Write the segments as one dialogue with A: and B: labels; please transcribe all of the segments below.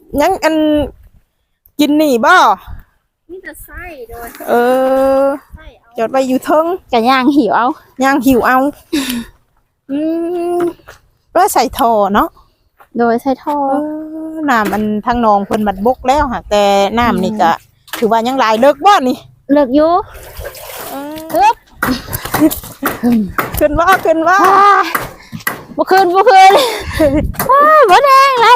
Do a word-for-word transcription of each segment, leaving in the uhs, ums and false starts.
A: ยังอันกินนี่บ่
B: มีแต่ไส้โดย
A: เออ
B: ไส้เอา
A: จอดไว้อยู่เทิง
C: กะย่างหิวเอา
A: ย่างหิวเอาอืมแล้วใส่ท่อเนาะ
C: โดยใส่ท่อ
A: เออน้ำมันทางหนองเพิ่นบัดบกแล้วค่ะแต่น้ำนี่ก็ถือว่ายังหลายเลิกบ่นี่
C: เลิกอยู่
A: ฮึบขึ้นว่าขึ้นว่า
C: บ่คืนบ่คืนบ่แดงเลย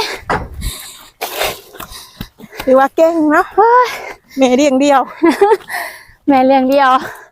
A: ถือว่าเก่งเนาะแม่เลี้ยงเดียว
C: แม่เลี้ยงเดียว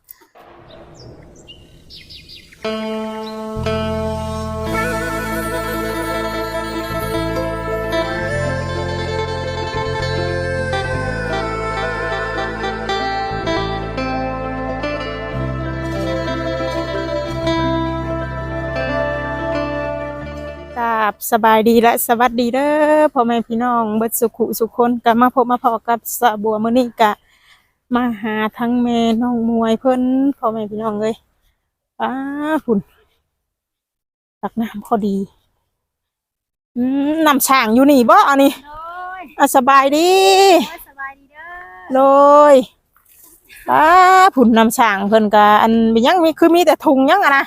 A: ครับสบายดีและสวัสดีเด้อพ่อแม่พี่น้องเบิดสุขุสุขคนก็มาพบมาพอกับสะบัวมื้อนี้ก็มาหาทั้งแม่น้องมวยเพิ่นพ่อแม่พี่น้องเอ้ยป้าพุ่นตักน้ำพอดีอืมน้ำช่างอยู่นี่บ่อันนี้อ่ะสบายดี
B: สบายดีเด้อ
A: เลยป้าพุ่นน้ำช่างเพิ่นก็อันยังมีคือมีแต่ถุงยังอะนะ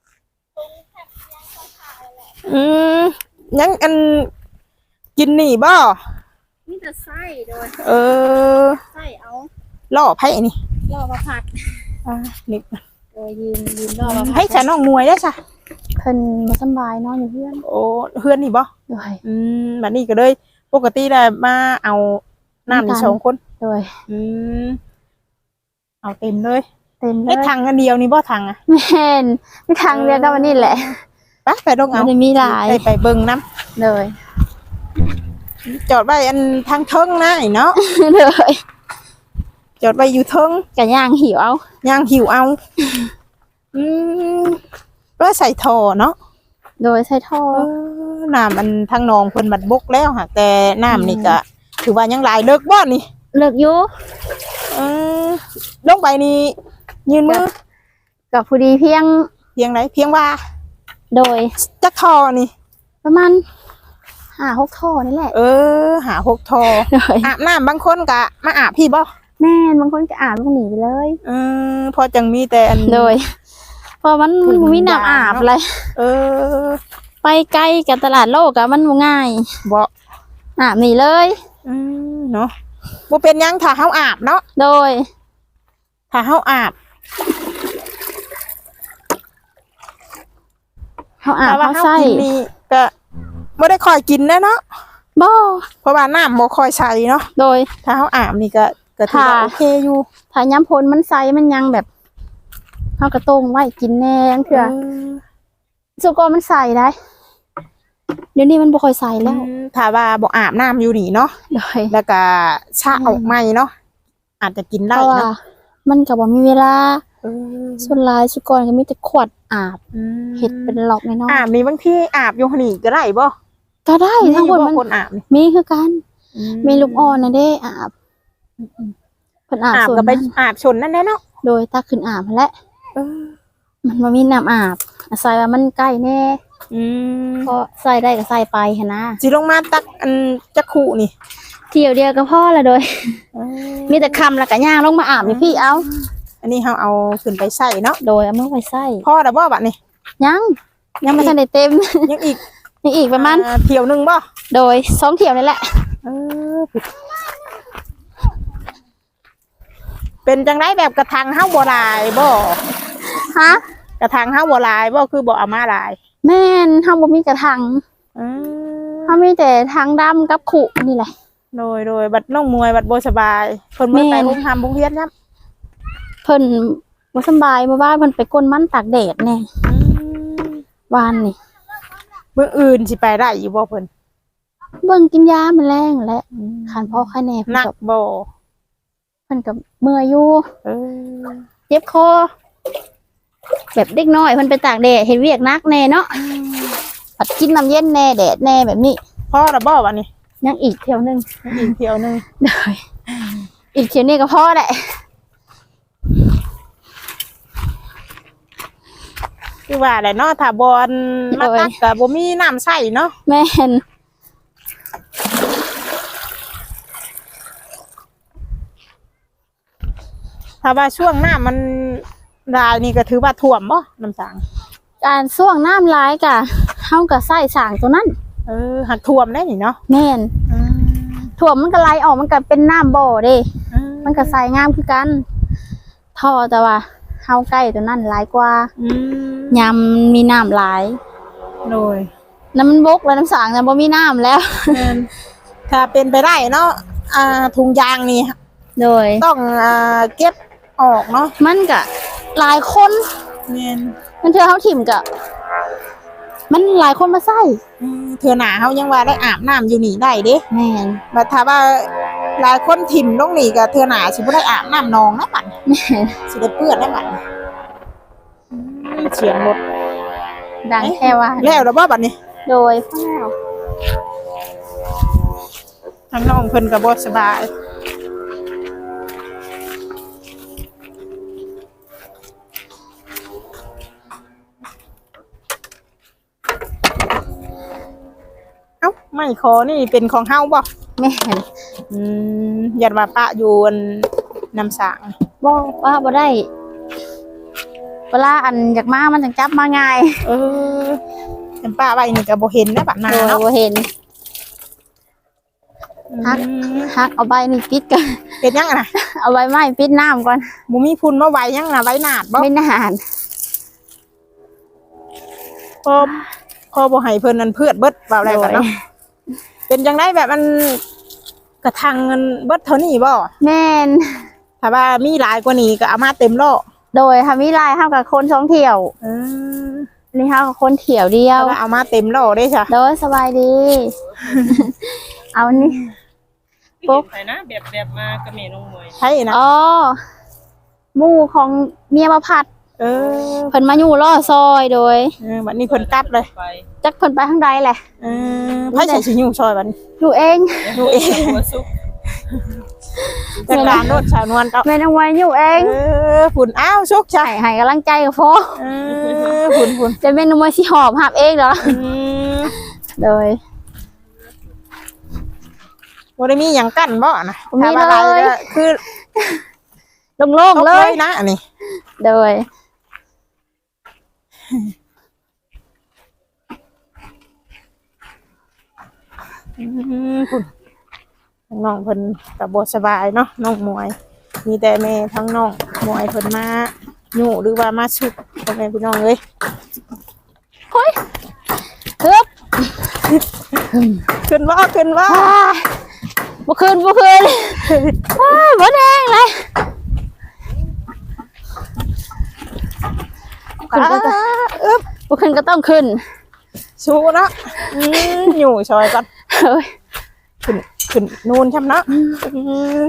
A: อืมยังอันกินนี่บ่
B: มีแต่ไส้โดย
A: เออ
B: ไส้เอา
A: ล่อไผ่นี่
B: ล่อมาผัด
A: อ่านี่
B: โดยยืนยืนล่อมาผัด
A: ให้ฉันน้องมวยได้ซะ
C: เพิ่นบ่สบายนอนอยู่เพื่อน
A: โอ้เพื่อนนี่บ่
C: โดย
A: อืมบัดนี้ก็เลยปกติได้มาเอาน้ำนี่สองคน
C: โดย
A: อืมเอาเต็มเลย
C: เต็มเลย
A: ไอ้ถังอันเดียวนี่บ่ถังอ่ะ
C: แม่นมีทางเดียวก็วันนี้แหละ
A: ไปไปลงเอา
C: ไม่มีหลาย
A: ไปไปเบิ่งน้
C: ำเลย
A: จอดไว้อันทางเทิงนะเนาะ
C: เลย
A: จอดไว้อยู่เทิง
C: กะย่างหิวเอา
A: ย่างหิวเอาอืมแล้วใส่ท่อเนาะ
C: โดยใส่ท่อ
A: น้ำมันทางหนองเพิ่นบัดบกแล้วค่ะแต่น้ำนี่ก็ถือว่ายังหลายเลิกบ่นี่
C: เลิกอยู่
A: อืมลงไปนี่ยืนมือ
C: กับผู้ดีเพียง
A: เพียงไรเพียงว่า
C: โดย
A: จักท่อนี่
C: ประมาณห้าหกท่อนี่แหละ
A: เออหาหกท่ออาบน้ำบางคนก็มาอาบพี่บ่
C: แม่บางคนก็อาบลูกหนีไปเลย
A: เออพอจังมีแต่อัน
C: โดยพอมันมันมีน้ำอาบเลย
A: เออ
C: ไปไกลกับตลาดโลกอะมันง่าย
A: บ่
C: อาบหนีเลย
A: อืมเนาะบ่เป็นยังถ้าเฮาอาบเนาะ
C: โดย
A: ถ้าเฮาอาบ
C: เขาอาบเขาใส่
A: นี่ก็ไม่ได้คอยกินนะเนาะ
C: บ่
A: เพราะว่าน้ำโมคอยใส่เนาะ
C: โดย
A: ถ้าเขาอาบนี่ก็ก็ถือว่าโอเคอยู่
C: ถ้าย้ำพลมันใส่มันยังแบบเขากระต้งไว้กินแน่ยังเถื่อสุกรมันใส่ได้เดี๋ยวนี้มันบ่ค่อยใส่แล้ว
A: ถ้าว่าบ่อาบน้ำอยู่นี่เนาะ
C: โดย
A: แล้วก็ชาออกใหม่เนาะอาจจะกินได้เนาะ
C: มันก็บ่มีเวลาส่วนลายสุกรก็มีแต่ขวดอาบเห็ดเป็นหลอกในน้อง
A: อาบนี่บางทีอาบอยู่นี่ก็ได้บ่
C: ก็ได้ทั้งหมดมัน
A: คนอาบ
C: มีคือกันมีลูกอ่อนนะเด้อาบเพิ่นอาบ
A: ส่วนก็ไปอาบชนนั่นแหละเนาะ
C: โดยตักขึ้นอาบแล้วมันบ่มีน้ำอาบอาศัยว่ามันใกล้แน่ก็ใส่ได้ก็ใส่ไปหั่นนะ
A: สิลงมาตักอันจักขู่นี่
C: เที่ยวเดียวก็พอละโดยมีแต่คำแล้วก็ย่างลงมาอาบพี่เอา
A: อันนี้เขาเอาขึ้นไปใส่เนาะ
C: โดยเอามือไปใส่
A: พ่อแต่บ่บัดนี่
C: ยังยังไม่ทันได้เต็ม
A: ยังอีก
C: ยังอีกประมาณ
A: เที่ยวหนึ่งบ่
C: โดยสองเที่ยวนี่แหละ
A: เป็นจังไรแบบกระถางห้าบัวลายบ่
C: ฮะ
A: กระถางห้าบัวลายบ่คือบ่เอามาลาย
C: แม่นห้าบ่มีกระถางห้ามีแต่ทางดำกับขุนี่แหละ
A: โดยโดยบัดน้องมวยบัดโบสบายเพิ่นเมื่อไปหุ้มทำบุ้งเฮียนครับ
C: เพิ่นบ่สบายเมื่อวานเพิ่นไปก้นมันตากแดดแน่วานนี่
A: เมื่ออื่นสิไปได้อยู่บ่เพิ่น
C: เบิ่งกินยามันแรงแหละคันพ่อไข้แน่
A: หนักบ่
C: เพิ่นก็เมื่อยอยู่เจ็บคอแบบเด็กน้อยเพิ่นไปตากแดดเฮ็ดเวียกหนักแน่เนาะผัดกินน้ำเย็นแน่แดดแน่แบบนี้
A: พ่อละบ่วันนี้
C: ยังอีกเที่ยวนึง
A: อีกเที่ยวนึง
C: ได้อีกเที่ยวนี้ก็พอแหละ
A: คือว่าแหละเนาะถ้าบอลมาตักกับบ่มีน้ำใส่เนาะ
C: แม่น
A: ถ้าว่าช่วงหน้ามันรายนี่ก็ถือว่าท่วมบ่น้ำสาง
C: การส่วงน้ำร้ายกะเฮาก็ใส่สางตัวนั้น
A: เออหักท่วมได้นี่เนาะ
C: แม่น
A: อืม
C: ถ่วมมันก็ไหลออกมันก็เป็นน้ำบ่อเด้
A: อื
C: มันก็ใส่งามคือกันท่อแต่ว่าเฮาใกล้ตัวนั้นหลายกว่า
A: อืม
C: ยามมีน้ำหลาย
A: โดย
C: น้ำมันบกแล้วน้ำสางน่ะบ่มีน้ำแล้ว
A: แม่นถ้าเป็นไปได้เนาะอ่าถุงยางนี่
C: โดย
A: ต้องอ่าเก็บออกเนาะ
C: มันก็หลายคน
A: แม่น
C: มันเธอเฮาถิ่มก็มันหลายคนมาใส่
A: อืมเทื่อหน้าเฮายังว่าได้อาบน้ำอยู่นี่ได้เด้
C: แม่น
A: บัดถ้าว่าหลายคนถิ่มลงนี่ก็เทื่อหน้าสิบ่ได้อาบน้ำนองนะบัดนี้
C: แม่น
A: สิได้เปื้อนนะบัดนี้อืมเสียงรถ
C: ดังแค่ว่า
A: แล้วแล้วบ่บัดนี้
C: โดยพ่อแล้ว
A: ทางน้องเพิ่นก็บ่สบายเอ้าไม่ขอนี่เป็นของเฮาบ่
C: แม่น
A: อืมยันว่าปะอยู่อันน้ำสาง
C: บ่ว่าบ่ได้เวลาอันอยากมามันจังจับมาง่าย
A: เออยันป้าไว้นี่ก็บ่เห็นนะบัดนา
C: โดย
A: เนาะ
C: บ่เห็น ฮัก
A: อืม
C: ฮักเอาใบนี่ปิดกัน
A: เป็นยังอะนะ
C: เอาใบไม้ปิดน้ำก่อน
A: บ่มีพุ่นมาไว้ยังน่ะไว้นาดบ่
C: ไม่นาน
A: พอพอบ่ให้เพิ่นนั่นเพือดเบิดเว้าอะไรกันเนาะเป็นจังไดแบบมันกระทังเงินเบิดเท่านี้บ่
C: แม่น
A: ถ้าว่ามีหลายกว่านี้ก็เอามาเต็มโลก
C: โดยทำวิไลเฮากับคนสองเที่ยว
A: เออ
C: อันนี่เฮากับคนเที่ยวเดีย
A: ถ้าว ว่าเอามาเต็มโลกได้จ้ะ
C: โดยสบายดี เอานี่
D: ปุ๊บไปนะแบบแบบมากับแม่น้องมวย
A: ใช่นะ
C: อ๋อหมู่ของเมียมาพัด
A: เออ
C: เพิ่นมาอยู่ล่อซอยโดย
A: เออบัดนี้เพิ่นกลับเลย
D: ไป
C: จักเพิ่นไปทางใดแหละ
A: เออไผใส่สิอยู่ซอยบัดนี้
C: อยู่เอง
A: ดูเอง
D: หัวซุก
A: จัดการโนดชาวนวลเต้า
C: แม่นเอาไว้อยู่เอง
A: เออฝุ่นอ้าวโชคชัย
C: ให้ให้กำลังใจกับพ่อ
A: เออฝุ่นฝุ่น
C: จะแม่นเอาไว้สิหอบหับเองเหรอ
A: อืม
C: โดย
A: บ่ได้มีหยังกั้นบ่นะ
C: บ่มี
A: ถ้าว่า
C: เลย
A: อะไรก็คือ
C: โล่ง
A: ตก
C: ๆเล
A: เลย ยนะอันนี้
C: โดย
A: อืมฝุ่นน้องเพิ่นก็บ่สบายเนาะน้องมวย มีแต่แม่ทั้งน้องมวยเพิ่นมาอยู่หรือว่ามาสุกพ่อแม่พี่น้องเอ้ย
C: ฮึบ
A: ขึ้นว่าขึ้นว่า
C: อ้ายบ่คืนบ่คืนอ้ายบ่แดงเลยขึ้นก็ต้อง
A: อึ๊บ
C: บ่ขึ้นก็ต้องขึ้น
A: สู้เนาะอืมอยู่ซอยกัน
C: เฮ้ย
A: ขึ้นขึ้นนูนช่ำเนาะอืม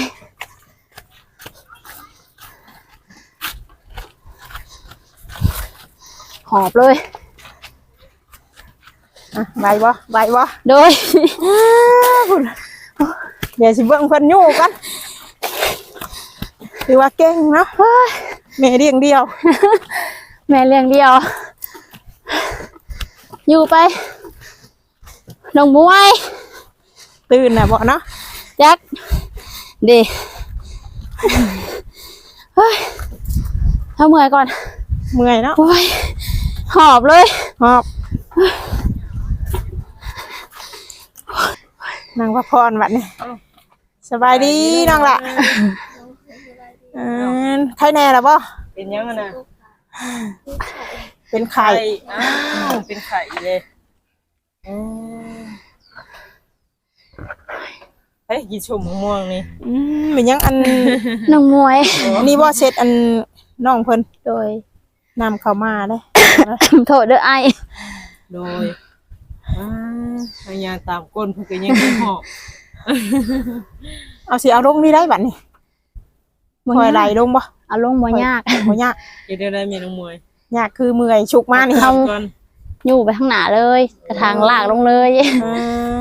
C: หอบเลย
A: อ่ะไหวบ่ไหวบ่
C: โดย
A: เดี๋ยวสิเบิ่งเพิ่นอยู่กันถือว่าเก่งเนาะแม่เลี้ยงเดียว
C: แม่เลี้ยงเดียว อยู่ไปน้องมวย
A: ตื่นน่ะบ่เนาะ
C: จักดีเฮ้ยทำเมื่อยก่อน
A: เมื่อยเนาะ
C: โอ้ยหอบเลย
A: หอบนางพระพรบัดนี้สบายดีน้องล่ะเออใครแน่ล่ะบ่
D: เป็นยังไงนะ
A: เป็นไข่
D: ไข่อ้าวเป็นไข่เลยอืมเฮ้ยกี่ชุ่มม่วงนี่
A: อืมเป็นหยังอัน
C: น้องมวย
A: นี่บ่เสร็จอันน้องเพิ่น
C: โดย
A: นำเข้ามาเด้
C: โทษเด้อไอ
D: โดยอ่าพยายามตามก้นเพื่อก็ยังไม่หอบ
A: เอาสิเอาลงนี่ได้บัดนี้คอยไหลลงบ่
C: เอาลงบ่ยาก
A: บ่ยาก
D: เดี๋ยวได้แม่น้องมวย
A: ยากคือเมื่อยฉุกมานี่
C: เอา
D: ก่อน
C: อยู่ไปข้างหน้าเลย กระถางลากลงเลย
A: เออ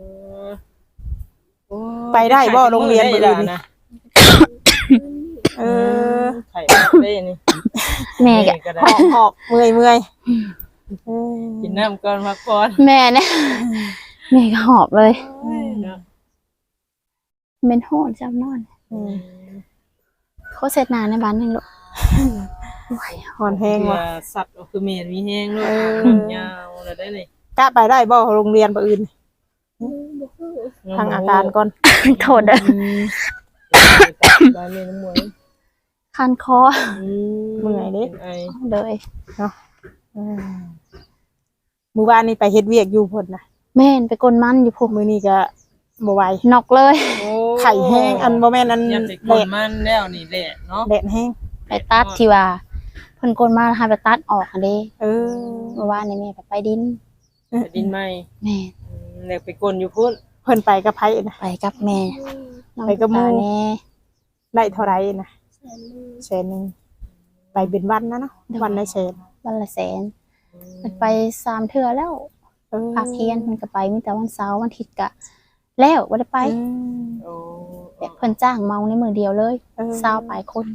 D: โอ้
A: ไปได้บ่โรงเรียนมื้ออื่นนี่
D: นะ
A: เออ
D: ไข่ได้นี่
C: แม่กะ
D: ก็
A: ห
D: ได้
A: อกหอกเมื่อยเมื่อยเออ
D: กินน้ำก่อนพักผ่อน
C: แม่เนี่ยแม่ก็หอบเลย
D: เนาะ
C: เป็นโหดจำนอน
A: อืม
C: เขาเสร็จนานในบ้านนึงลูก
A: หอนแฮง
D: เพื่อ
A: ว่ะ
D: สัตว์ก็คือเมนมีแห้งด้วยยาวแล้วได้เลย
A: กะไปได้บ่โรงเรียนบ่อื่นทางอาการก่อน
C: โทษเด้อ
D: บ้านเมนน้ำมวย
C: คันคอ
A: เมื่อยเด้
D: ไอ
C: เลย
A: อืมมื้อวานนี้ไปเฮ็ดเวียกอยู่พุ่นน่ะ
C: แม่นไปกลมันอยู่พวก
A: มื้อนี้ก็บ่ไหวน
C: อกเลย
A: ไข่แห้งอันบ่แม่นอัน
D: ยันไปก
A: แด
D: ด
A: ด
D: มันแล้วนี่แหละเนาะ
A: แดดแห้ง
C: ไปตัดที่ว่าเพิ่นกลมาให้ไปตัดออกอันเด้
A: เออ
C: เมื่อวานนี่แม่ไปไปดิน
D: ดินไหม
C: แม่
D: แล้วไปกลอยู่พุ่น
A: เพิ่นไปกับไผน่ะ
C: ไปกับแม่น้อง
A: ไปกับหมู่
C: ตาแน่
A: ได้เท่าไหร่น่ะ
B: แสนหนึ่ง
A: แสนหนึงไปเป็นวันนะเนาะวันละแสน
C: วันละแสนมันไปสามเทื่อแล้ว
A: เออ
C: ภาคเที่ยงมันก็ไปมีแต่วันเสาร์วันอาทิตย์ก็แล้วบ่ได้ไป
A: อืม
D: โอ้
C: แบบเพิ่นจ้างเมาในมือเดียวเลย
A: เออ
C: เศร้าปลายคน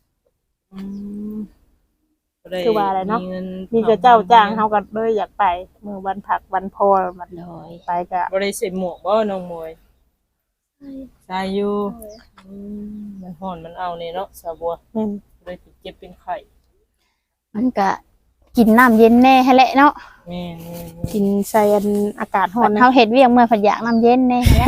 A: คือว่าอะไรเนาะ
D: มีงิ
A: มีแต่เจ้าจ้างเฮาก็เลยอยากไปมื้อวันผักวันพอมัน
C: เลย
A: ไปก็
D: บ่ได้ใส่หมวกบ่น้องมวยใส่อยู่อืมมันฮ้อนมันเอานี่เนาะสาวบัว
A: แม่น
D: เลยติดเจ็บเป็นไข้
C: มันก็กินน้ำเย็นแน่ให้แหละเนาะ
D: แม่นๆ
A: กินใส่อันอากาศร้อนนะ
C: เฮาเฮ็ดเวียกเมื่อผัดอยากน้ำเย็นแน่ให้แหละ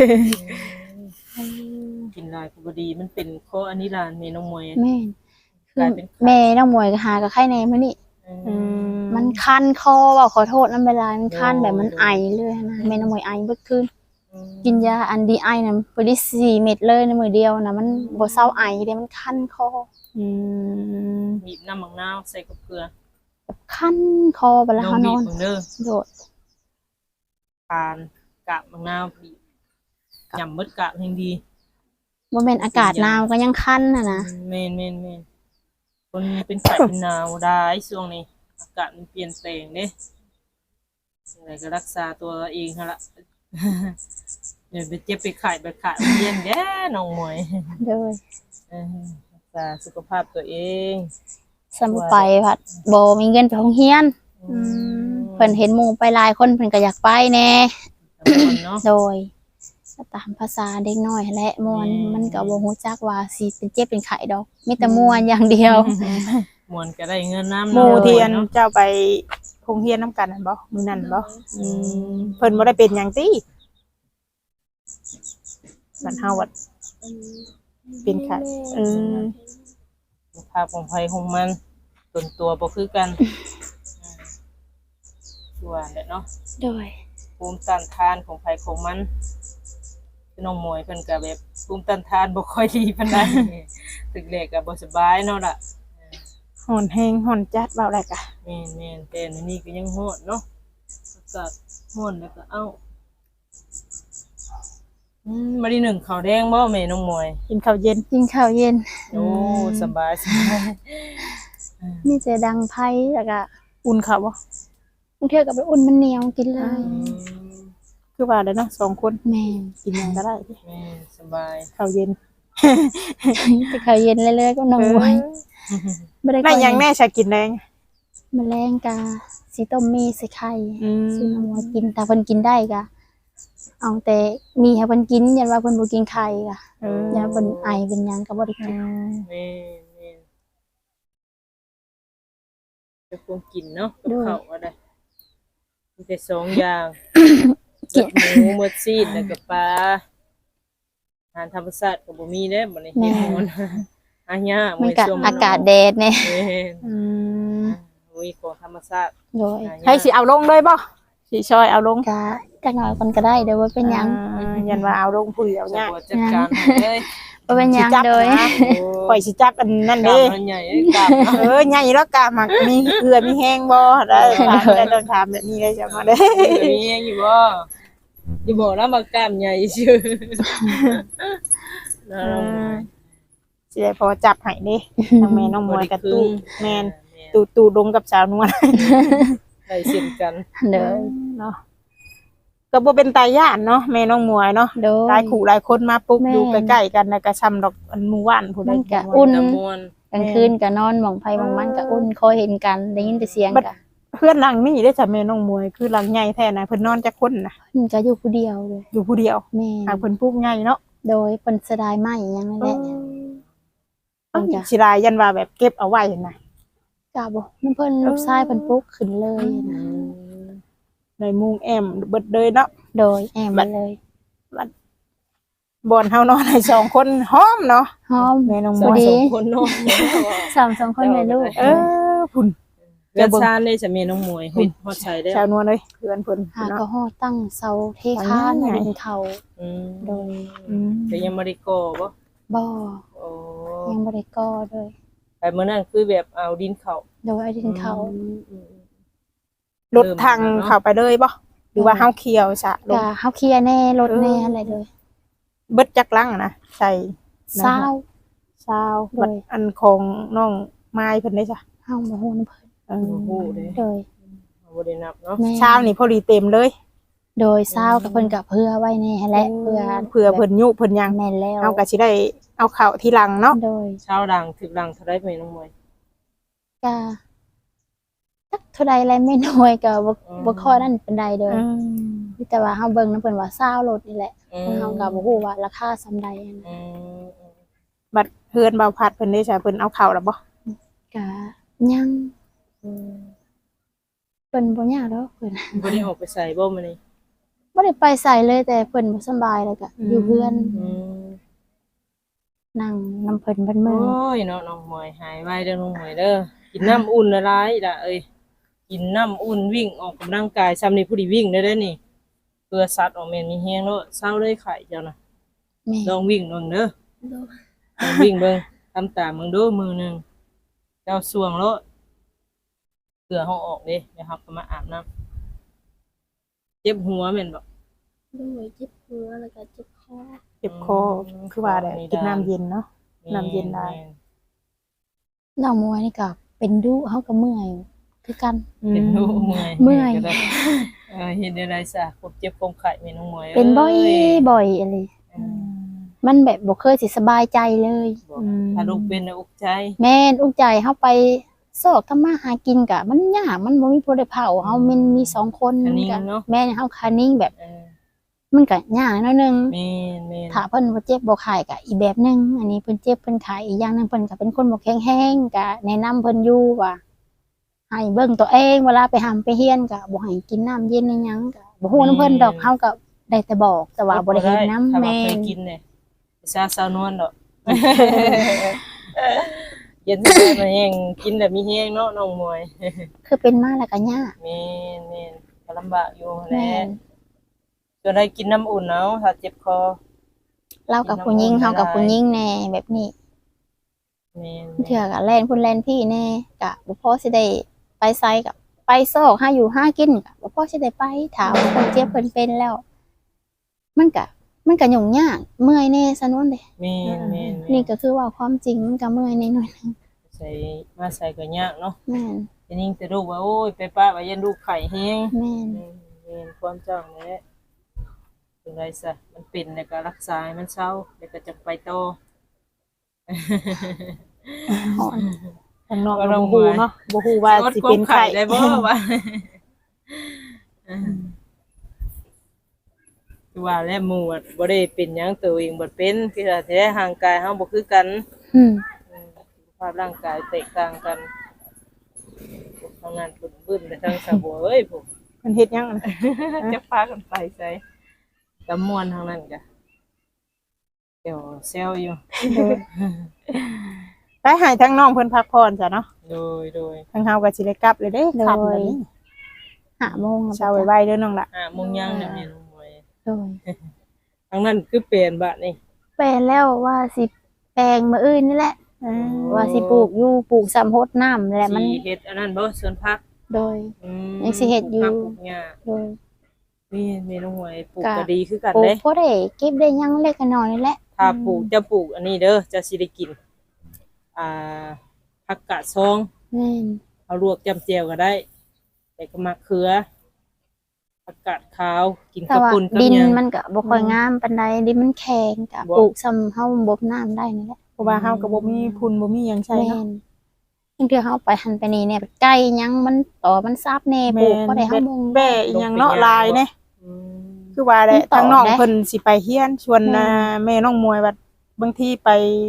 D: ๆกินหลายก็บ่ดีมันเป็นข้ออันนี้ล่ะแม่น้องมวย
C: แม่นคื
D: กลา
C: อย
D: เป็นไข้
C: แม่น้องมวยก็หากับไข้แน่มื้อนี้
A: อืม
C: มันคันคอเว่าขอโทษน้ำเวลามันคันแบบมันไอเลยนะแม่น้องมวยไอเบิดคืน
D: อืม
C: กินยาอันดีไอนะไปได้สี่เม็ดเลยในมือเดียวนะมันบ่เศร้าไอเลยมันคันคอ
A: อืม
D: บีบน้ำมะนาวใส่กับเกลือ
C: แบบคันคอไปแล้ว
D: น้อง
C: เขาน
D: บี
C: อบ น
D: เบิ่งเด้อ
C: โดด
D: ปานกาบมะนาวบีบยำมดกาบแห่งดี
C: บ่แม่นอากาศหนาวก็ยังคันน่ะนะ
D: แม่นแม่นแม่นคนเป็นไข้เป็นหนาวได้ช่วงนี้อากาศมันเปลี่ยนแปลงเด้อะไรก็รักษาตัวเองหั่นล่ะ เดี๋ยวไปเจ็บไปไข้ไปขาดเย็นแด้น้องมวย
C: เด้อ
D: เออรักษาสุขภาพตัวเอง
C: สำไปพัดบ่มีเงินไปโรงเรียน
D: อืม
C: เพิ่นเห็นหมู่ไปหลายคนเพิ่นก็อยากไปแน่
D: ตำบลเนาะ
C: โดยก็ตามภาษาเด็กน้อยแหละม่วน
D: อืม
C: มันก็บ่ฮู้จักว่าสิเป็นเจ็บเป็นไข้ดอกมีแต่ม่วนอย่างเดียว
D: มวนก็ได้เงินน้ำ
A: หมู่เทียน
D: เนาะ
A: เจ้าไปโรงเรียนนํกันนั่นบ่มื้อนั้นบ่อืมเพิ่นบ่ได้เป็นหยังติมันเฮาว่าเป็นไข้เออ
D: สุขภาพของไผของมันส่วนตัวบ่คือกันอืมชัวร์แหละเนาะ
C: โดย
D: ภูมิต้านทานของไผของมันคือน้องมวยเพิ่นก็แบบภูมิต้านทานบ่ค่อยดีปานใด ตึกแรกก็บ่สบายเนาะล่ะ
A: ฮ้อนแฮงฮ้อนจัดเว้าได้กะ
D: แม่นๆแต่อันนี้ก็ยังร้อนเนาะอากาศร้อนแล้วก็เอ้าอืมมื้อนี้หนึ่งข้าวแดงบ่แม่น้องมวย
A: กินข้าวเย็น
C: กินข้าวเย็น
D: โอ้สบายสบาย
C: มีแต่ดังไพ่แล้วก็
A: อุ่นข้าวบ่
C: บางเทื่อก็ไปอุ่นมันเหนียวกินเลย
D: อืม
A: คือว่าได้เนาะสองคน
C: แม่
A: กินหยังก็ได้
D: แม่นสบาย
A: ข้าวเย็น
C: แต่ข้าวเย็นเรื่อยๆก็นอนไว้ไม่ได้
A: ได้หยังแน่ชากินแดง
C: แมลงกาสีต้มมีใส่ไข่
A: อืม
C: ซื้อน้ำมวยกินแต่เพิ่นกินได้กะเอาแต่มีให้เพิ่นกินยันว่าเพิ่นบ่กินไข่กะ
A: เออ
C: ยันเพิ่นไอเป็นหยังก็บ่ได้
A: อื
C: กิน
A: ม
D: แม่แม่จะคงกินเนาะกับข้าวอะไรมีแต่สองอย่างเลือดหมูหมดซีดแล้วก็ปลาอาหารธรรมชาติก็บ่มีเด้บ่ได้เฮ็ดหมดอาหยา
C: มันก็อากาศแดดแน่
D: แม่น
A: อืม
D: มีของธรรมชาติ
C: โดย
D: หาหญ้า
A: ให้สิเอาลงเลยบ่สิช่วยเอาลง
C: กะจักหน่อยคนก็ได้เดี๋ยวว่าเป็นหยัง
A: อ่ายันว่าเอาลงผู้เดียว
D: สะ
A: เนี่ย
D: บัวจัดการให้เลย
C: บ่เป็นหยัง
A: สิจับ
C: โดย
A: นะข่อยสิจับอันนั่น
D: กล้า
A: เด้
D: มมันใหญ่เอ้ยกล้ามเนาะ
A: เออใหญ่แล้วกะมักมีเกลือมีแห้งบ่ได้ถามได้ต้องถามแบบนี้เลยจังว่าเด้
D: เออมียังอยู่บ่อย่าบอกนะมากล้ามใหญ่ชื่อนะน้องมวย
A: สิได้พอจับให้เด้ทางแม่น้องมวยกับตู้แม่น
D: แม่น
A: ตู้ตู้ลงกับสาวนวล
D: ได้เช่นกัน
C: เด้อ
A: เนาะก็บ่เป็นตาย่านเนาะแม่น้องมวยเนาะ
C: โดย
A: หลายคู่หลายคนมาปุ๊บ
C: แม่
A: อยู่ใกล้ๆกันแล้วก็ซ้ำดอกอันหมู่บ้านผู้ใด
C: มันก็
A: ผู้
C: อุ่
A: หนึ่ง
C: น
D: ตะมวน
C: กลางคืนก็นอนหม่องไผหม่องมันก็อุ่นคอยเห็นกันได้ยินแต่เสียง
A: บัด
C: กะ
A: เพื่อนหลังนี่ได้จ้ะแม่น้องมวยคือหลังใหญ่แท้นะเพิ่นนอนจักคนน่ะ
C: เพิ่นก็อยู่ผู้เดียวเลย
A: อยู่ผู้เดียว
C: แม่
A: หากเพิ่นปลูกใหญ่เนาะ
C: โดยเพิ่นเสยดายไม้หยังนั่นแหละเพิ่นก็
A: สิลายยันว่าแบบเก็บเอาไว้นะ
C: กะบ่น้ำเพิ่นลูกชายเพิ่นปลุกขึ้นเลย
D: อืม
A: ในมุงแอมเบิดเลยเนาะ
C: โดยแอมไปเลย
A: บอนเฮานอนให้สองคนหอมเนาะ
C: หอม
A: แม่น้อง
D: ส
A: ม
D: อง
A: วย
C: ดี
D: คนเนาะ
C: สามสองคนแม่ลูก
A: เออพุ่น
D: เพื่อนชาติได้จะมีน้องมวยเฮ็ดฮอดใช้ได้
A: ชาวนวลเลยเพื่อนเพิ่น
C: หา
A: เนาะ
C: ก็ฮอดตั้งเสาเทคาน
A: อ๋อ
C: ดินเขา
D: อืม
C: โดย
A: อืม
D: แต่ยังบ่ได้ก่อบ่
C: บ่
D: โอ้
C: ยังบ่ได้ก่อเลย
D: ไปมื้อนั้นคือแบบเอาดินเข้า
C: โดยเอาดินเขา
D: อืมอืม
A: รถทางเข้าไปเลยบ่หรือว่าเฮาเคี่ยวซะล
C: ก็
A: ง
C: เฮาเคลียร์แน่รถแน่อะไรเลย
A: เบิดจักลังนะใส่
C: เศร้า
A: ชาว
C: โดย
A: บัดอันของน้องไม้เพิ่นได้จ้ะ
C: เฮาบ่ฮู้นำเพิ่น
A: เออ
D: โอ้โหเด้
C: โดย
D: บ่ได้นับเนาะ
C: แม่
A: เช้านี่พอดีเต็มเลย
C: โดยเศร้ากับเพิ่นก็เพื่อไว้แน่แหละเพื่อ
A: เผื่อเพิ่นยุเพิ่นหยัง
C: แม่นแล้ว
A: เฮาก็สิได้เอาเข้าทีหลังเนาะ
C: โดย
D: ชาวดังถึกดังเท่าได้แม่น้องมวย
C: ก็จักเท่าใดแลไม่น้อยก็บ่
D: อืม
C: บ่ค่อยนั่นปานใดเด้อ
A: อืม
C: มีแต่ว่าเฮาเบิ่งนำเพิ่นว่าเศร้ารถนี่แหละ
D: อืม
C: เฮาก็บ่ฮู้ว่าราคาส่ำใดอะนะ
D: อืม
A: บัดเฮือนบ่าวพัดเพิ่นได้จ้ะเพิ่นเอาเข้าแล้วบ่
C: ก็ยัง
D: อืม
C: เพิ่นบ่ยากดอกเพิ่น
D: บ่ได้ออกไปใส่บ่มื้อนี้
C: บ่ได้ไปใส่เลยแต่เพิ่นบ่สำบายแล้วก็อยู่เพื่อน
D: อืม
C: นั่งนำเพิ่นเพิ่น
D: โอ
C: มื้อ้
D: ยเนาะน้องมวยหายไวเด้อน้องมวยเด้อกินน้ำอุ่นละลายล่ะเอ้ยกินน้ำอุ่นวิ่งออกกำลังกายซ้ำนี่ผู้ดีวิ่งได้เด้อนี่เพื่อสัตว์ออกแม่นมีแฮงเนาะเศร้าเลยไข่เจ้าน่ะ
C: แม่
D: ลองวิ่งเบิ่งเด้อลองวิ่งเบิ่งทำตามมึงดูมือหนึงเจ้าสวงแล้วเพื่อเฮาออกเด้เดี๋ยวเฮาก็มาอาบน้ำเจ็บหัวแม่นบ่
B: ด้วยเจ็บหัวแล้วก็เจ็บคอ
A: เจ็บคอคือว่าแหละกินน้ำเย็นเนาะ น้ำเย็นได้
C: น้องมวยนี่ก็เป็นดุเฮาก็เมื่อยคือกัน
D: เป็นหูเมื่อย
C: เมื่อย
D: ก็ได้เออเฮ็ดได้ไรซะควบเจ็บควบไข้แม่น้องมวย
C: เป็นบ่อย
D: อ้
C: บ่อยอะไร
D: อืม
C: มันแบบบ่เคยสิสบายใจเลย
D: บอกถ้าลูกเป็นน่ะอุกใจ
C: แม่นอุกใจเฮาไปซอกทำมาหากินกะมันยากมันบ่มีผู้ใดเผาเฮามันมีสองคน
D: อันนี้
C: ก็
D: เนาะ
C: แม่นเฮาคานิ่งแบบ
D: เออ
C: มันก็ยากหนิดนึง
D: แม่นแม่น
C: ถ้าเพิ่นบ่เจ็บบ่ไข้ก็อีกแบบหนึงอันนี้เพิ่นเจ็บเพิ่นไข้อีกอย่างหนึงเพิ่นก็เป็นคนบ่แข็งแรงก็แนะนำเพิ่นอยู่ว่าให้เบิ่งตัวเองเวลาไปหำไปเฮียนก็บ่ให้กินน้ำเย็นอีหยังก็บ่ฮู้นํเพิ่นดอกเฮาก็ได้แต่บอกแต่ว่าบ่ได้เฮ็ดนำ
D: ถ้าว่า
C: แม่
D: เคย
C: น
D: กินเนี่ยซาซาวนวลดอก เย็นได้มาแห้งกินแบบมีแห้งเนาะน้องมวย
C: คือเป็นมาแล้วก็ยาก
D: แม่นแม่นก็ลำบากอยู่แห
C: แม่
D: ละ
C: น
D: จนได้กินน้ำอุ่นเอาถ้าเจ็บคอ
C: เรากับผู้หญิงเฮากับผู้หญิงแน่แบบนี้
D: แม่น
C: เถื่อก็แล่นพุ่นแล่นพี่แน่ก็บ่พอสิได้ไปไสกับไปซอกหาอยู่หากินก็บ่พอสิได้ไปถามว่าเพิ่นเจ็บเพิ่นเป็นแล้ว มันก็มันก็ยุ่งยากเมื่อยแน่ซะนวนเด้
D: แม่นแม่นแม่
C: นี่ก็คือว่าความจริงมันก็เมื่อยแน่หน่อยนึง
D: ใส่มาใส่ก็ยากเนาะ
C: แม่น
D: ทีนี้จะลูกว่าโอ้ยไปป้าว่ายันลูกไข่แห้ง
C: แม่น
D: แม่นแม่นความเจ้าแหละจังไดซะมันเป็นแล้วก็รักษาให้มันเศร้าแล้วก็จะไปต่อ
C: ฮ้อน
A: ข้างนอกก็บ่ฮู้เนาะบ่ฮู้ว่าสิเป็นไข้
D: ได้บ่ว่าคือว่าแล้วหมู่อะบ่ได้เป็นหยังตัวเองบ่เป็นคือว่าแท้ร่างกายเฮาบ่คือกัน
C: อืม
D: อืมสุขภาพร่างกายแตกต่างกันทางนั้นบึ้นๆไปทางสะบัวเอ้ยพวก
A: มันเฮ็ดหยังอะนะ
D: จะพากันไปใส่ตะม่วนทางนั้นกะเดี๋ยวเซลอยู่
A: ไปให้ทั้งน้องเพิ่นพักผ่อนจ้ะเนาะ
D: โดยโดย
A: ทางเฮาก็สิได้กลับเลยเด้ค่ำแล้วนี่
C: ห้าโมงแล้ว
A: เช้าไว้ๆเด้อน้องล่ะ
D: อ่าโมงยังเนี่ยแม่น้องมวย
C: โดย
D: ทางนั้นคือเปลี่ยนบาดนี่
C: แปลนแล้วว่าสิแปลงมื้ออื่นนี่แหละ
A: เออ
C: ว่าสิปลูกอยู่ปลูกสำโพดน้ำแหละมัน
D: สิเฮ็ดอันนั้นบ่สวนผัก
C: โดย
D: อืม
C: ยังสิเฮ็ดอยู่
D: ปลูกผักปลูกหญ้า
C: โดย
D: นี่แม่น้องมวยปลูก
C: กะ
D: ก็ดีคือกัน
C: ปลู
D: เด้
C: กพอได้เก็บได้หยังเล็กน้อยนี่แหละ
D: ถ้าปลูกจะปลูกอันนี้เด้อจะสิได้กิน อ่าผักกาดซอง
C: แม่น
D: เอาลวกจำเจียวก็ได้ แต่ก็มะเขือผักกาดขาวกิน
C: แต่
D: กับ
C: ว่า
D: ปุ่นกับ
C: ดิน
D: หยัง
C: มันก็บ่ค่อยงามปานใดดินมันแข็งก็
D: บ่
C: ปลูกซ้ำเฮาบ่น้ำได้นี่แหละ
A: เพราะว่าเฮาก็บ่มีทุนบ่มีหยังใช้
C: แม่
A: เนาะ
C: นบางเทื่อเฮาไปหันไปนี่เนี่ยไก่หยังมันต่อมันซับแน่ปลูกบ่ได้เฮาบ่ง
A: แบ่อีหยังเนาะลายเด้
D: อืม
A: คือว่าแหละ
C: มันต่อ
A: ทางน้อง
C: ได้
A: เพิ่นสิไปเฮียนชวน
C: แม่
A: อ่าแม่น้องมวยว่าบางทีไป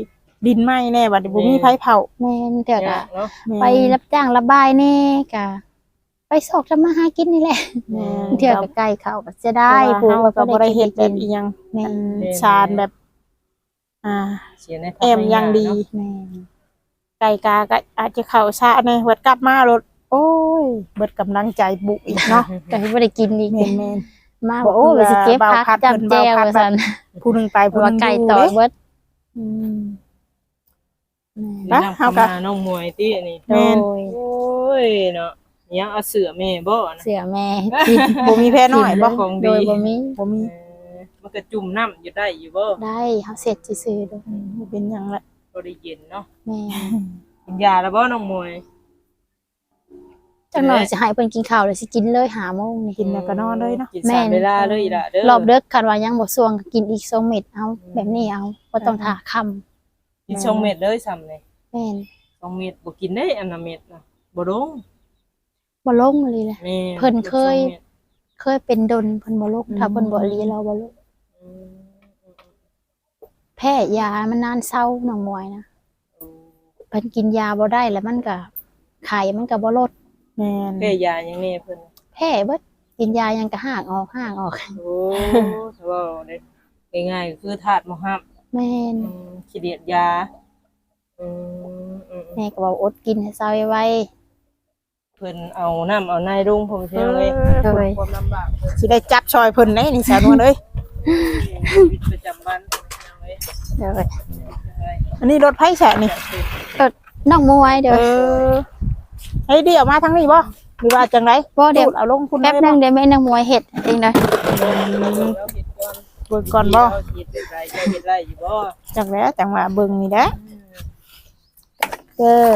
A: ดินไหม้แน่บัดนี้บ่มีไผเผา
C: แม่นเถื่อ
D: เนี่ย
C: กะ
D: เนาะ
A: แม่น
C: ไปรับจ้างระบายแน่กะไปสอกทำมาหากินนี่แหละ
A: แม่น
C: เถื่อกะไก่เขาก็จะได้
A: เพราะว่าเฮาก็บ่ได้เฮ็ดแบบ
C: กิ
A: อี
C: น
A: หยัง
C: แม่
A: อั
C: น
A: นชาญแบบ อ่า
D: เสียใน
A: แอมยังดี
C: แม่น
A: ไก่กาก็อาจจะเข้าช้าแน่เบิดกลับมารถโอ้ยเบิดกำลังใจบุกอีกเนาะ
C: ก็บ่ได้กินอีก
A: แม่นแม่น
C: มา
A: บ่
C: บอกโอ้
A: เผื่อ
C: ว่าสิเก็บ
A: เบา
C: พัก
A: พัด
C: จำ
A: เพิ่น
C: แจว
A: เบาพัด
C: ว่าซั่น
A: ผู้หนึงไป
C: เพ
A: ผู้
C: ราะ
A: หนึ
C: ว่าง ไก่
A: อยู่
C: ต่อ
A: เด้
C: เบิด
A: อืม
D: นี่
A: ไป
D: นำ
A: เฮา
D: เข้า
A: ก็
D: มาน้องมวยติอันนี้
C: โด
A: แม่น
C: ย
D: โอ้ยเนาะยังเอาเสือแม่บ่นะ
C: เสือแม่
A: บ่มีแพ้น้อยบ่
D: ของดี
C: โดยบ่มี
A: บ่มี
D: เออมันก็จุ่มน้ำอยู่ได้อยู่บ่
C: ได้เฮาเสร็จซื่อๆเด้อ
A: อืมบ่เป็นหยังละ
D: บ่ได้เย็นเนาะ
C: แม่
D: กินยาแล้วบ่น้องมวย
C: จังหน่อยสิให้เพิ่นกินข้าวเลยสิกินเลยห้าโมงนี่
A: กินแล้วก็นอนเลยเนาะ
D: กินสามเวลาเลยอีล่ะเด้อ
C: รอบเดึกคันว่ายังบ่ส่วงก็กินอีกสองเม็ดเอาแบบนี้เอาบ่ต้องท่าค่ำ
D: กินสองเม็ดเลยซ้ำเลย
C: แม่น
D: สองเม็ดบ่กินได้อันน่ะเม็ดน่ะบ่ลง
C: บ่ลงเลยแหละ
D: แม่
C: เพิ่นเคย
D: สองม็ด
C: เคยเป็นดนเพิ่นบ่ลงถ้าเพิ่นบ่รีเราบ่ลง
D: อืม
C: แพ้ยามันนานเศร้าน้องมวยนะเพิ่นกินยาบ่ได้แล้วมันก็ไข้มันก็บ่ลด
A: แม่น
D: แพ้ยาหยังแน่เพิ่น
C: แพ้เบิดกินยายังก็ห่างออกห่างออก
D: โอ้ถ้าว่าได้ง่ายๆก็คือธาตุมหับ
C: แม่น
D: อืมขี้เดียดยาอืมอืม
C: แม่ก็บอกอดกินให้เศร้าไว้
D: เพิ่นเอาน้ำเอาในรุ่งผมเชื่อเลย
C: โดย
D: ความลำบากเพิ่น
A: สิได้จับชอยเพิ่นได้นี่สาวนวลเอ้ย
D: ชีวิตประจำวันเพิ่นเชื่อเลย
C: เด้อ
A: อันนี้รถไผแฉะนี่
C: น้องมวยเด้
A: เอ
C: อ
A: อให้เดี๋ยวมาทางนี้บ่หรือว่าจังได
C: บ่เดี๋ยว
A: พูเอาลงคุณ
C: แป๊บนึงเดี๋ยวแม่นางมวยเฮ็ดเองเด้อ
D: แล้วเห็ดก่อน
A: เบิ่งก่อนบ่
D: เฮ็ดเป็นไรเจ้าเฮ็ดไรอยู่บ่
A: จังแล้วจังว่าเบิ่งนี่แหละ
C: เด้อ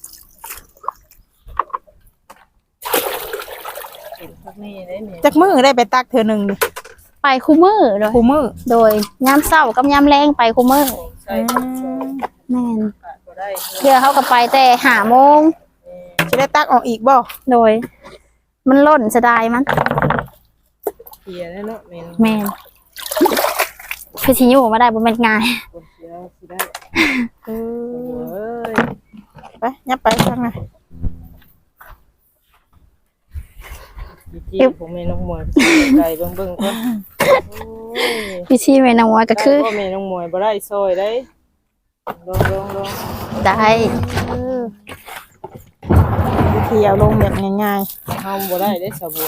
D: เห็นพวกนี้ได้แม่
A: จักมื้อได้ไปตักเทื่อหนึงนี่
C: ไปคู่มือเด้อ
A: คู่มื้อ
C: โดยยามเช้ากับยามแลงไปคู่มือ
D: ของใช้ของโชว์
C: แม่น
D: ขาดบ่ได้
C: เดี๋ยวเขาก็ไปแต่ห้าโมง
A: สิได้ตักออกอีกบ่
C: โดย มันล่นเสยดายมัน
D: เสียแล้วเนาะแม่น
C: แม่นคือสิอยู่มาได้บ่แม่นง่าย
D: คนเสียสิได้
A: เอ
D: เอ้
A: อย ไปยับไปทางไหน
D: ที่ผมแม่น้องมวยไก่เบิ่งๆก่อนโอ้ย
C: พี่ชีแม่นางว่าก็คือ
D: พ่อแม่น้องมวยบ่ได้ซอยได้ลองลองลอง
C: ได้
A: วิธีเอาลงแบบง่าย
D: เฮาบ่ได้ได้สะบัว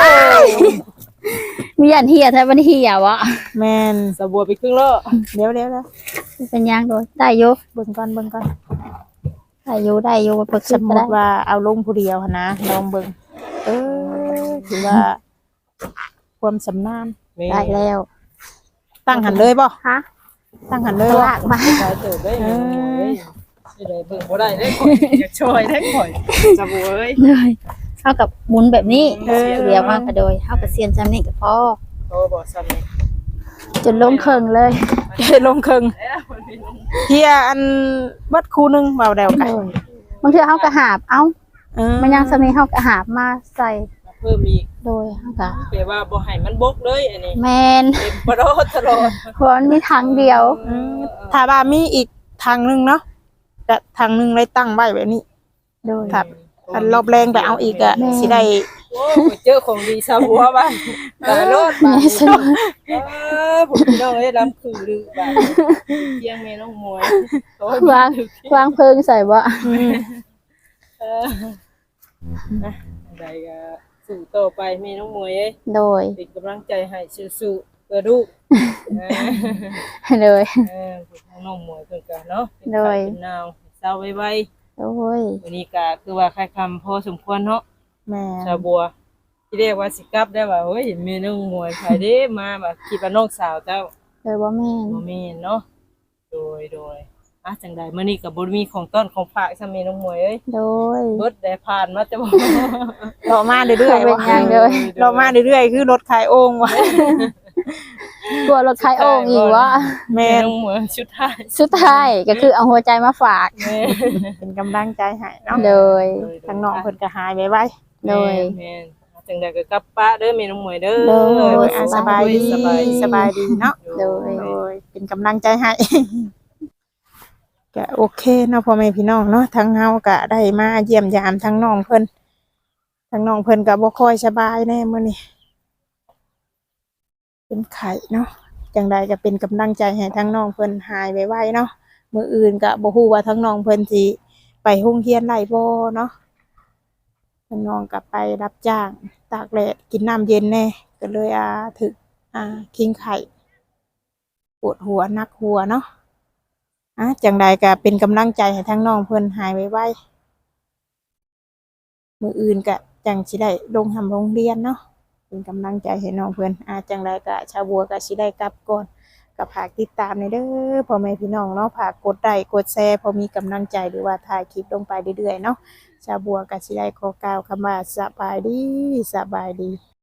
C: มีอันเฮียแท้บ่ได้เฮียวะ
A: ๆแม่น
D: สะบัวไปครึ่งแล้ว
A: เดี๋ยวเดี๋ยวเดี๋ยว
C: เป็นหยังโดยได้อยู่
A: เบิ่งก่อนเบิ่งก่อน
C: ได้อยู่ได้อยู่บ่ปรึก
A: ส
C: ษาม
A: ม
C: ก็
A: ติ
C: ได้
A: ว่าเอาลงผู้เดียวหั้นนะลองเบิ่งเออถือว่า ความสำนาน
D: แม่
C: ได้แล้ว
A: ตั้งหันเลยบ่
C: ฮะ
A: ตั้งหันเลย
C: ตัว
A: บ่
C: ลากมา
D: ชายเติบได้แม่น้องมวยสิได้เบิ่งบ่ได้ได้ข่อยอยากช่วยได้ข่อยสะบัวเอ้ย
C: เลยเท่ากับหมุนแบบนี้
D: เออ
C: เดียวมากก็โดยเท่ากับเซียนจำนี่ก็พอ
D: โตบ่ซ้ำนี่
C: จนลงเคิงเลย
A: ลงครึ่ง
D: เอ้ยมันเป็น
A: เฮียอันเบิดคู่หนึงเบาแดวไก่
C: บางทีเฮาก็หาบเอ้า
A: เออ
C: มันยังสมีเฮาก็หาบมาใส่
D: เพิ่มอีก
C: โดยเฮาก็
D: แปลว่าบ่ให้มันบกเลยอันนี้
C: แมน
D: เต็มบ่รอดตลอด
C: เพราะมันมีทางเดียว
A: อืมถ้าว่ามีอีกทางหนึงเนาะก็ทางหนึงเลยตั้งไว้แบบนี้
C: โดย
A: ครับ อันรอบแรงไปเอาอีกอะ
C: แม่
A: สิได้
D: โอ้ยเจอของดีสะบัวบ้านตายรอด
C: แม่
D: บ้าน
C: สนุก
D: เออผมพี่น้องเอ้ยลำคือลือบ้านเที่ยงแม่น้องมวยโอ้ยว
C: างวางเพลิงใส่บ่
D: เออนะใดก็สู้ต่อไปแม่น้องมวยเอ้ย
C: โดย
D: เป็นกำลังใจให้สู้ๆเพื่อลูกเออ
C: โดย
D: เออพวกน้องมวยเพิ่นก็เนาะเป็น
C: โด
D: ไข้
C: ย
D: เป็นหนาวเศร้าไว
C: โดย
D: ๆวันนี้ก็คือว่าค่ายคำพอสมควรเนาะ
A: แม่
D: ชาวบัวที่เรียกว่าสิกลับได้ว่าเฮ้ยแม่น้องมวยใครเด้มาแบบคิดว่าน้องสาวเจ้า
C: โดยบ่แม่น
D: บ่แม่นเนาะโดยโดยอ่ะจังใดมื้อนี้ก็บ่มีของต้อนของฝากซะแม่น้องมวยเอ้ย
C: โดย
D: เบิดได้ผ่านมาแต่บ่
A: รอมาเรื่อยๆ
C: เป็น
A: ว่ะ
C: หยังเลย
A: รอมาเรื่อยๆคือรถขายโอ่งว่ะ
C: กลัวรถขายโอ่งอีกวะ
A: แม่
D: แม่
A: น
D: น้องมวยสุดท้าย
C: สุดท้ายก็คือเอาหัวใจมาฝาก
D: แม่
A: เป็นกำลังใจให้เนาะ
C: โดย
A: ทางน้องเพิ่นก็หายไปไว้
C: โดย
D: แม่นอ่ะจังใดก็กลับป้าเด้อแม่น้องมวยเด้อ
C: โดย
A: โดยอ่ะสบายดี
D: สบายดี
A: สบายดีเนาะ
C: โดย
A: โดยเป็นกำลังใจให้ก็โอเคเนาะพ่อแม่พี่น้องเนาะทั้งเฮาก็ได้มาเยี่ยมยามทั้งน้องเพิ่นทั้งน้องเพิ่นก็บ่ค่อยสบายแน่มื้อนี้เป็นไข้เนาะจังใดก็เป็นกำลังใจให้ทั้งน้องเพิ่นหายไวๆเนาะมื้ออื่นก็บ่ฮู้ว่าทั้งน้องเพิ่นสิไปโรงเรียนได้บ่เนาะทั้งน้องก็ไปรับจ้างตากแดดกินน้ำเย็นแน่ก็เลยอ่าถึกอ่าคิงไข้ปวดหัวหนักหัวเนาะอ่ะจังใดก็เป็นกำลังใจให้ทั้งน้องเพิ่นหายไวๆมื้ออื่นก็จังสิได้ลงทำโรงเรียนเนาะเป็นกำลังใจให้น้องเพิ่นอ่ะจังใดก็ชาวบัวก็สิได้กลับก่อนก็ฝากติดตามในเด้อพ่อแม่พี่น้องเนาะฝากกดไลค์กดแชร์พอมีกำลังใจหรือว่าถ่ายคลิปลงไปเรื่อยๆเนาะชาวบัวก็สิได้ขอกล่าวคำว่าสบายดีสบายดี